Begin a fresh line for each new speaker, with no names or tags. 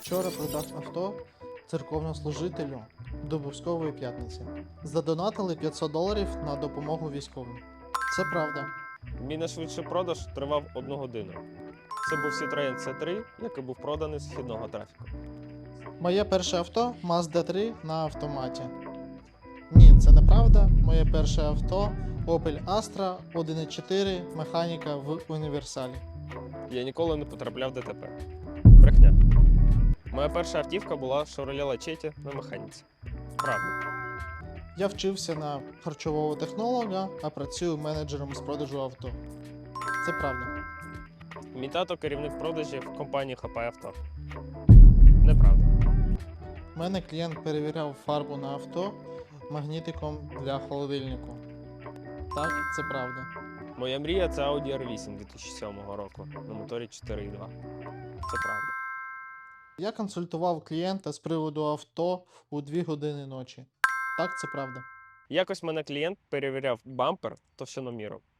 Вчора продав авто церковнослужителю до Бускової п'ятниці. Задонатили $500 на допомогу військовим. Це правда.
Мій найшвидший продаж тривав 1 годину. Це був Citroen C3, який був проданий з східного трафіку.
Моє перше авто Mazda 3 на автоматі. Ні, це неправда. Моє перше авто Opel Astra 1.4 механіка в універсалі.
Я ніколи не потрапляв в ДТП. Брехня. Моя перша автівка була Chevrolet Lachetti на механіці. Правда.
Я вчився на харчового технолога, а працюю менеджером з продажу авто. Це правда.
Мій тато керівник продажів компанії Хапай Авто. Неправда.
У мене клієнт перевіряв фарбу на авто магнітиком для холодильнику. Так, це правда.
Моя мрія це Audi R8 2007 року на моторі 4.2. Це правда.
Я консультував клієнта з приводу авто у 2 години ночі. Так, це правда.
Якось мене клієнт перевіряв бампер товщиноміром.